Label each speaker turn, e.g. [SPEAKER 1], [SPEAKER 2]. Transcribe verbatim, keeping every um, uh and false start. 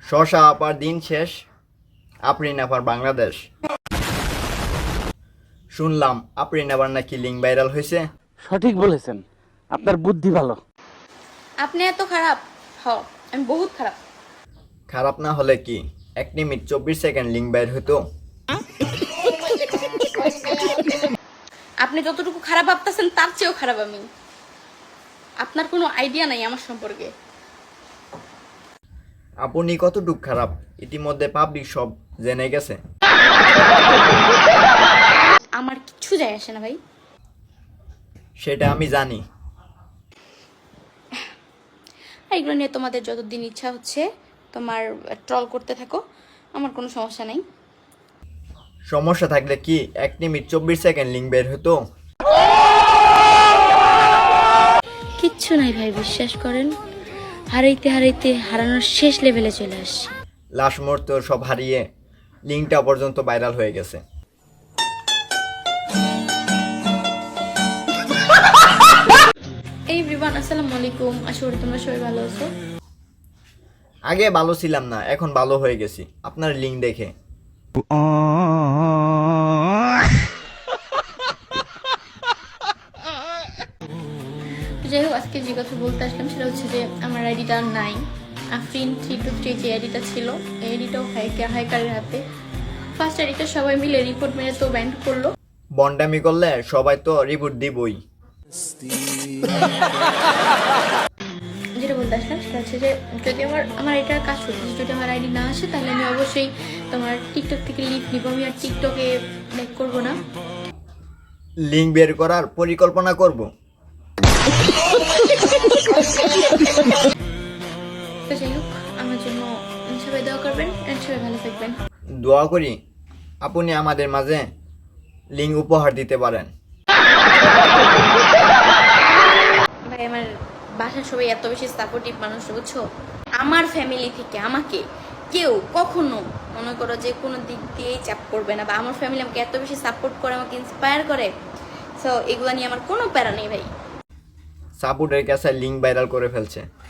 [SPEAKER 1] শশা আপার দিন শেষ, আফরিন আপার বাংলাদেশ। শুনলাম আফরিন আবার নাকি লিঙ্ক ভাইরাল হয়েছে।
[SPEAKER 2] সঠিক বলেছেন, আপনার বুদ্ধি ভালো।
[SPEAKER 3] আপনি এত খারাপ? হ, আমি বহুত খারাপ।
[SPEAKER 1] খারাপ না হলে কি এক মিনিট চব্বিশ সেকেন্ড লিঙ্ক বাইর হতো?
[SPEAKER 3] আপনি যতটুকু খারাপ ভাবতেছেন তার চেয়েও খারাপ আমি। আপনার কোনো আইডিয়া নাই আমার সম্পর্কে।
[SPEAKER 1] আপনি কতটুক খারাপ ইতিমধ্যে পাবলিক সব জেনে গেছে।
[SPEAKER 3] আমার কিচ্ছু যায় আসে না ভাই।
[SPEAKER 1] সেটা আমি জানি।
[SPEAKER 3] এগুলো নিয়ে তোমাদের যতদিন ইচ্ছা হচ্ছে তোমার ট্রল করতে থাকো, আমার কোনো সমস্যা নাই।
[SPEAKER 1] সমস্যা থাকলে কি এক মিনিট চব্বিশ সেকেন্ড লিঙ্ক বের হতো?
[SPEAKER 3] কিচ্ছু নাই ভাই, বিশ্বাস করেন। হারাইতে হারাইতে হারানোর শেষ লেভেলে চলে আসছি।
[SPEAKER 1] লাশ মুহূর্ত সব হারিয়ে লিঙ্কটা পর্যন্ত ভাইরাল হয়ে গেছে।
[SPEAKER 3] এই এভরিওয়ান, আসসালামু আলাইকুম। আশা করি তোমরা সবাই ভালো আছো।
[SPEAKER 1] আগে ভালো ছিলাম না, এখন ভালো হয়ে গেছি আপনার লিঙ্ক দেখে।
[SPEAKER 3] যাই হোক, আজকে যে কথা বলতে আসলাম সেটা হচ্ছে যে আমার আইডিটা নাই। আফরিন থ্রি টু থ্রি যে আইডিটা ছিল, এই আইডিটাও হাইকার হাইকারের হাতে। ফার্স্ট আইডিটা সবাই মিলে রিপোর্ট মেরে তো ব্যান্ড করলো।
[SPEAKER 1] বন্ডামি করলে সবাই তো রিপোর্ট দিবই।
[SPEAKER 3] যেটা বলতে আসলাম সেটা হচ্ছে যে যদি আমার আমার এটার কাজ করতেছে, যদি আমার আইডি না আসে তাহলে আমি অবশ্যই তোমার টিকটক থেকে লিভ নিব। আমি আর টিকটকে লাইক করবো না।
[SPEAKER 1] লিঙ্ক বের করার পরিকল্পনা করব।
[SPEAKER 3] তো যাই হোক, আমার জন্য সবাই দোয়া করবেন, সবাই ভালো থাকবেন।
[SPEAKER 1] দোয়া করি আপনি আমাদের মাঝে লিঙ্ক উপহার দিতে পারেন।
[SPEAKER 3] ভাই, আমার বাসার সবাই এত বেশি সাপোর্টিভ মানুষ, বুঝছো? আমার ফ্যামিলি থেকে আমাকে কেউ কখনো মনে করো যে কোনো দিক দিয়েই চাপ করবে না, বা আমার ফ্যামিলি আমাকে এত বেশি সাপোর্ট করে, আমাকে ইন্সপায়ার করে। সো এগুলো নিয়ে আমার কোনো প্যারা নেই ভাই।
[SPEAKER 1] সাপোর্টের কাছে লিঙ্ক ভাইরাল করে ফেলছে।